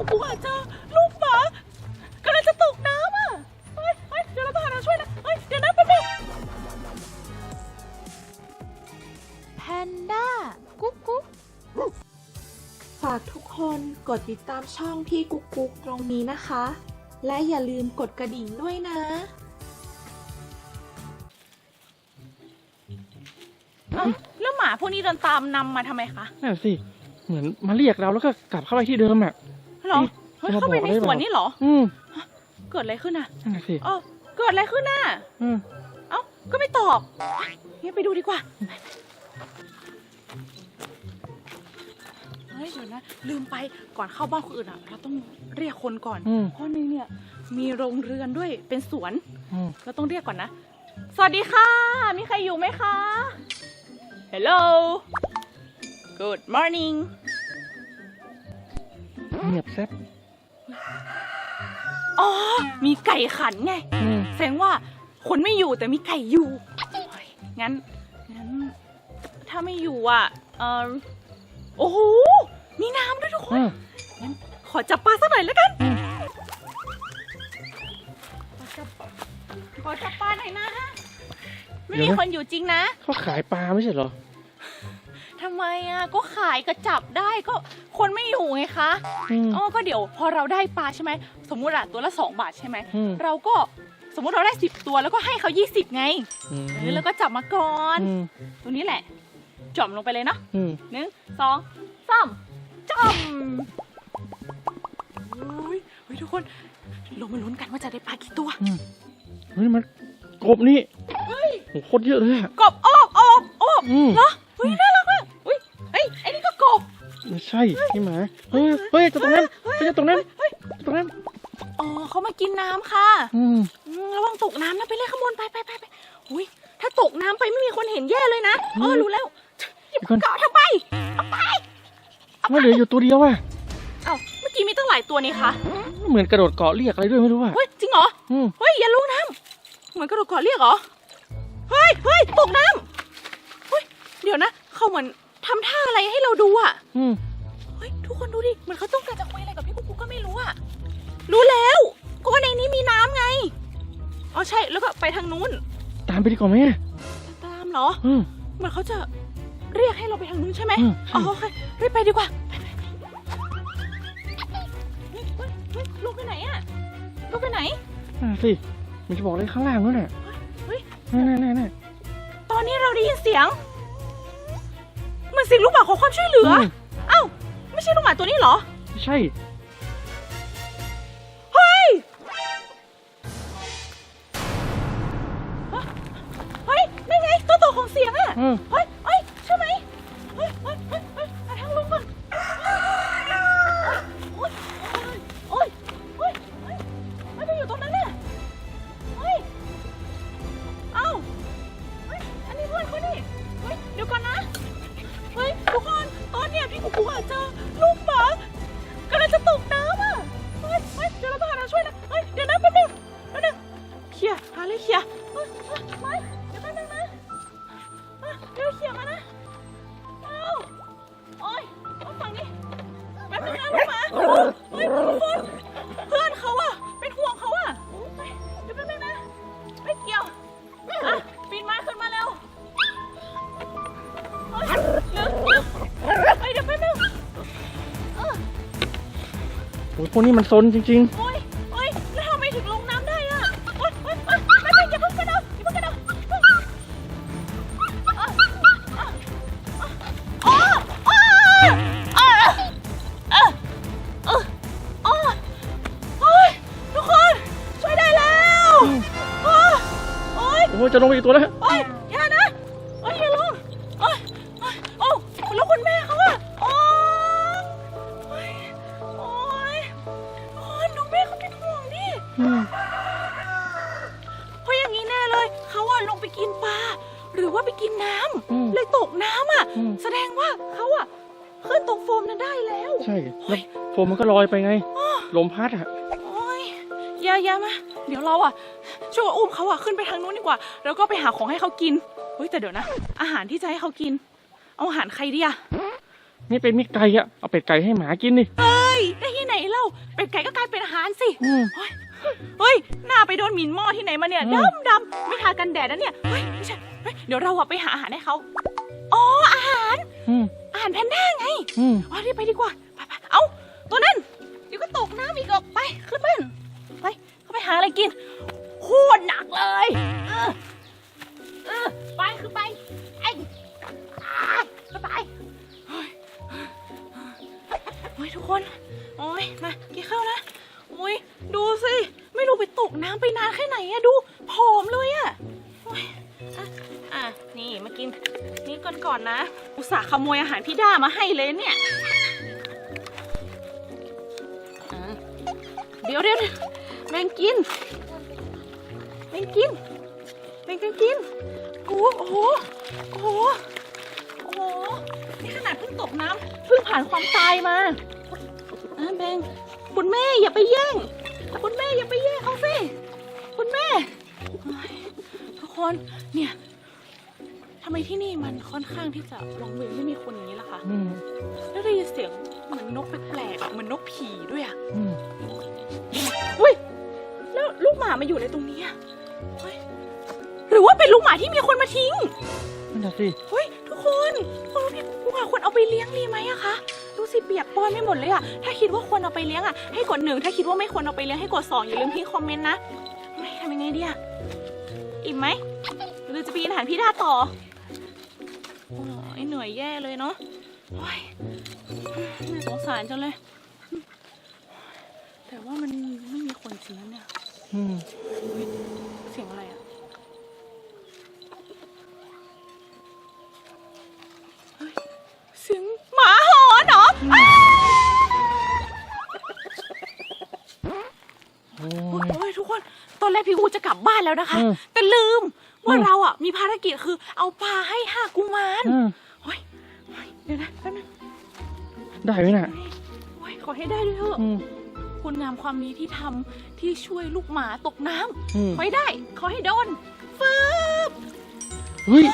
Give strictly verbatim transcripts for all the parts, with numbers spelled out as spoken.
ปุ๊กปุ๊กอาจจะลูกหมากำลังจะตกน้ำอ่ะเฮ้ยเฮ้ยเดี๋ยวเราต้องหาทางช่วยนะเฮ้ยเดี๋ยวนะแป๊บนึงแพนด้ากุ๊กกุ๊กฝากทุกคนกดติดตามช่องพี่กุ๊กกุ๊กตรงนี้นะคะและอย่าลืมกดกระดิ่งด้วยนะแล้วหมาพวกนี้เดินตามนำมาทำไมคะนั่นสิเหมือนมาเรียกเราแล้วก็กลับเข้าไปที่เดิมอ่ะหรอเฮ้ยเข้าไปในสวนนี่หรออืมเกิดอะไรขึ้นน่ะนั่นสิเออเกิดอะไรขึ้นน่ะอืมเอ้าก็ไม่ตอบงั้นไปดูดีกว่าเฮ้ยเดี๋ยวนะลืมไปก่อนเข้าบ้านคนอื่นอ่ะเราต้องเรียกคนก่อนเพราะนี่เนี่ยมีโรงเรือนด้วยเป็นสวนเราต้องเรียกก่อนนะสวัสดีค่ะมีใครอยู่ไหมคะ Hello Good morning เงียบแซ่บอ๋อมีไก่ขันไงแสดงว่าคนไม่อยู่แต่มีไก่อยู่งั้นงั้นถ้าไม่อยู่อ่ะเออโอ้โหมีน้ำด้วยทุกคนงั้นขอจับปลาสักหน่อยแล้วกันขอจับขอจับปลาหน่อยนะไม่มีคนอยู่จริงนะเขาขายปลาไม่ใช่เหรอทำไมอ่ะก็ขายก็จับได้ก็คนไม่อยู่ไงคะอ๋อก็เดี๋ยวพอเราได้ปลาใช่ไหมสมมุติอะตัวละสองบาทใช่ไหมเราก็สมมุติเราได้สิบตัวแล้วก็ให้เขายี่สิบไงแล้วก็จับมาก่อนตัวนี้แหละจ่อมลงไปเลยเนาะหนึ่งสองสามจ่อมเฮ้ยเฮ้ยทุกคนลงมาลุ้นกันว่าจะได้ปลากี่ตัวเฮ้ยมันกบนี่เฮ้ยโคตรเยอะเลยอะกบโอบโอบโอบเหรอเฮ้ยน่ารักมากอุ้ยเฮ้ยไอ้นี่ก็กบไม่ใช่พี่หมาเฮ้ยเฮ้ยจะตรงนั้นเฮ้ยจะตรงนั้นตรงนั้นอ๋อเขามากินน้ำค่ะระวังตกน้ำนะไปเลยขโมยไปไปไปไปอุ้ยถ้าตกน้ำไปไม่มีคนเห็นแย่เลยนะเออรู้แล้วหยิบเกาะทำไมเอาไปไม่เหลืออยู่ตัวเดียวอ่ะเอ้าเมื่อกี้มีตั้งหลายตัวนี่คะเหมือนกระโดดเกาะเรียกอะไรด้วยไม่รู้อ่ะเฮ้ยจริงเหรอเฮ้ยอย่าลงน้ำเหมือนกระโดดเกาะเรียกเหรอเฮ้ยเฮ้ยตกน้ำเฮ้ยเดี๋ยวนะเขาเหมือนทำท่าอะไรให้เราดูอ่ะเฮ้ยทุกคนดูดิเหมือนเขาต้องการจะคุยอะไรกับพี่กุ๊กกุ๊กก็ไม่รู้อ่ะรู้แล้วก็ว่าในนี้มีน้ำไงอ๋อใช่แล้วก็ไปทางนู้นตามไปดีกว่าไหมตามเหรอเหมือนเขาจะเรียกให้เราไปทางนู้นใช่ไหมอ๋อโอเครีบไปดีกว่าลูกไปไหนอ่ะลูกไปไหนน่าสิมันจะบอกอะไรข้างล่างนู้นน่ะเฮ้ยนั่นนั่นนั่นตอนนี้เราได้ยินเสียงเหมือนเสียงลูกหมาขอความช่วยเหลือเอ้าไม่ใช่ลูกหมาตัวนี้เหรอไม่ใช่เฮ้ยเฮ้ยนี่ไงตัวต่อของเสียงอ่ะเฮ้ยเฮ้ยใช่ไหมเฮ้ยเฮ้ยเฮ้ยเฮ้ยหาทางลงก่อนโอ๊ยโอ๊ยโอ๊ยเฮ้ยไม่ไปอยู่ตรงนั้นน่ะเฮ้ยเอ้าเฮ้ยอันนี้เพื่อนเขาดิเฮ้ยเดี๋ยวก่อนนะเฮ้ยทุกคนตอนเนี้ยพี่กุ๊กกุ๊กอาจจะลูกหมากำลังจะตกน้ำอ่ะเฮ้ยเฮ้ยเดี๋ยวเราต้องหาทางช่วยนะเฮ้ยเดี๋ยวนะแป๊บนึงแป๊บนึงเคลียร์หาเลยเคลียร์เฮ้ยเฮ้ยไม่เดี๋ยวแป๊บนึงนะเดี๋ยวเคลียร์มานะเอ้าโอ๊ยเอาฝั่งนี้แป๊บนึงนะลูกหมาเฮ้ยทุกคนเพื่อนเขาอ่ะเป็นห่วงเขาอ่ะเฮ้ยเดี๋ยวแป๊บนึงนะไม่เกี่ยวอ่ะปีนมาขึ้นมาเร็วเฮ้ยเร็วเร็วเฮ้ยเดี๋ยวแป๊บนึงเออโอ้ยพวกนี้มันซนจริงๆโอ้ยโอ้ยแล้วทำไมถึงลงน้ำได้อ่ะโอ๊ยโอ๊ยโอ๊ยไม่ไม่อย่าเพิ่งกระโดดอย่าเพิ่งกระโดดอ๋ออ๋ออ๋ออ๋ออ๋ออ๋อโอ๊ยทุกคนช่วยได้แล้วโอ๊ยโอ๊ยโอ้ยจะลงไปอีกตัวแล้วโอ๊ยอย่านะโอ๊ยอย่าลงโอ๊ยโอ้แล้วคุณแม่เขาอะโอ๊ยโอ๊ยโอ๊ยดูแม่เขาเป็นห่วงดิเพราะอย่างนี้แน่เลยเขาอะลงไปกินปลาหรือว่าไปกินน้ำเลยตกน้ำอะแสดงว่าเขาอะขึ้นตรงโฟมนั้นได้แล้วใช่แล้วโฟมมันก็ลอยไปไงลมพัดอะโอ๊ยอย่าอย่ามาเดี๋ยวเราอะช่วยอุ้มเขาอะขึ้นไปทางนู้นดีกว่าแล้วก็ไปหาของให้เขากินเฮ้ยแต่เดี๋ยวนะอาหารที่จะให้เขากินเอาอาหารใครดีอะนี่เป็นมิตรไก่อะเอาเป็ดไก่ให้หมากินดิเอ้ยได้ที่ไหนเล่าเป็ดไก่ก็กลายเป็นอาหารสิอืมเฮ้ยเฮ้ยหน้าไปโดนหมิ่นหม้อที่ไหนมาเนี่ยอืมดำดำไม่ทากันแดดนะเนี่ยเฮ้ยไม่ใช่เฮ้ยเดี๋ยวเราอะไปหาอาหารให้เขาอ๋ออาหารอืมอาหารแพนด้าไงอืมอ๋อรีบไปดีกว่าไปไปเอาตัวนั้นเดี๋ยวก็ตกน้ำอีกออกไปขึ้นบ้านไปเขาไปหาอะไรกินโคตรหนักเลยเออเออไปขึ้นไปไอ้อ่าขึ้นไปเฮ้ยโอ้ยทุกคนโอ้ยมากินข้าวนะโอ้ยดูสิไม่รู้ไปตกน้ำไปนานแค่ไหนอะดูผอมเลยอะโอ้ยอ่ะอ่ะนี่มากินนี่ก่อนก่อนนะอุตส่าห์ขโมยอาหารพี่ด้ามาให้เลยเนี่ยอ่ะเดี๋ยวเดี๋ยวแบ่งกินแบ่งกินแบ่งกันกินกูโอ้โหโอ้โหโอ้โหนี่ขนาดเพิ่งตกน้ำเพิ่งผ่านความตายมาอ่ะแบ่งคุณแม่อย่าไปแย่งคุณแม่อย่าไปแย่งเขาสิคุณแม่โอ้ยทุกคนเนี่ยทำไมที่นี่มันค่อนข้างที่จะวังเวงไม่มีคนอย่างนี้ล่ะคะอืมแล้วได้ยินเสียงเหมือนนกแปลกๆอะเหมือนนกผีด้วยอะอืมอุ้ยแล้วลูกหมามาอยู่ในตรงนี้อะเฮ้ยหรือว่าเป็นลูกหมาที่มีคนมาทิ้งนั่นน่ะสิเฮ้ยทุกคนคนรู้พี่กูหาคนเอาไปเลี้ยงดีไหมอะคะดูสิเปียกปอนไม่หมดเลยอะถ้าคิดว่าควรเอาไปเลี้ยงอะให้กดหนึ่งถ้าคิดว่าไม่ควรเอาไปเลี้ยงให้กดสองอย่าลืมทิ้งคอมเมนต์นะไม่ทำยังไงดีอะอิ่มไหมหรือจะไปกินอาหารพี่ดาต่อโอ้ยเหนื่อยแย่เลยเนาะโอ้ยน่าสงสารจังเลย แต่ว่ามันไม่มีคนจริงนะเนี่ยอืมเฮ้ยเสียงอะไรอะเฮ้ยเสียงหมาหอนเหรอโอ้โอ้ยโอ้ยทุกคน ตอนแรกพี่อูจะกลับบ้านแล้วนะคะอืมแต่ลืมว่าอืมเราอ่ะมีภารกิจคือเอาปลาให้ห้ากุมารอืมเฮ้ยเฮ้ยเดี๋ยวนะแป๊บนึงได้ไหมน่ะโอ้ยขอให้ได้ด้วยเถอะอืมคุณงามความดีที่ทำที่ช่วยลูกหมาตกน้ำอืมขอให้ได้ ขอให้โดนฟืบเฮ้ย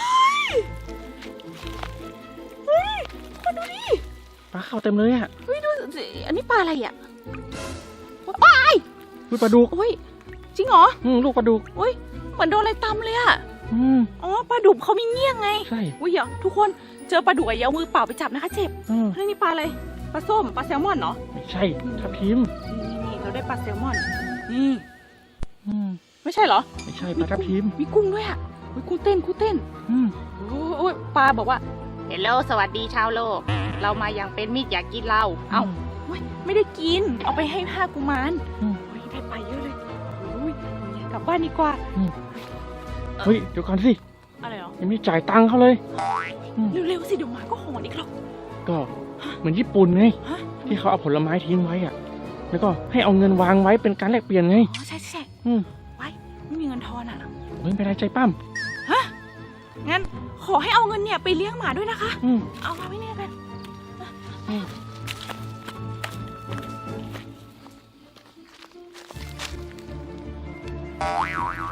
เฮ้ยคนดูดิปลาเข้าเต็มเลยอ่ะเฮ้ยดูสิอันนี้ปลาอะไรอ่ะปลาไอ้ลูกปลาดุกโอ้ยจริงเหรออืมลูกปลาดุกโอ้ยเหมือนโดนอะไรตำเลยอ่ะอืมอ๋อปลาดุกเขามีเงี้ยงไงใช่อุ้ยเดี๋ยวทุกคนเจอปลาดุกอะอย่าเอามือเปล่าไปจับนะคะเจ็บอืมเฮ้ยนี่ปลาอะไรปลาส้มปลาแซลมอนเนาะไม่ใช่ทับทิมนี่นี่เราได้ปลาแซลมอนนี่อืมไม่ใช่เหรอไม่ใช่ปลาทับทิมมีกุ้งด้วยอ่ะอุ้ยกุ้งเต้นกุ้งเต้นอืมโอ้โอ้ยปลาบอกว่าเฮลโลสวัสดีชาวโลก เรามาอย่างเป็นมิตรอยากกินเราเอ้าโอ้ยไม่ได้กินเอาไปให้ห้ากุมารอืมโอ้ยได้ไปเยอะเลยโอ้ยกลับบ้านดีกว่าอืมเฮ้ยเดี๋ยวก่อนสิอะไรเหรอยังไม่จ่ายตังค์เขาเลย อืมเร็วๆสิเดี๋ยวหมาก็หอนอีกหรอกก็เหมือนญี่ปุ่นไงฮะที่เขาเอาผลไม้ทิ้งไว้อ่ะ แล้วก็ให้เอาเงินวางไว้เป็นการแลกเปลี่ยนไงอ๋อใช่ใช่อืมไว้ไม่มีเงินทอนอ่ะเฮ้ยเป็นไรใจปั้มงั้นขอให้เอาเงินเนี่ยไปเลี้ยงหมาด้วยนะคะอืมเอามาไว้เนี่ยกันอืม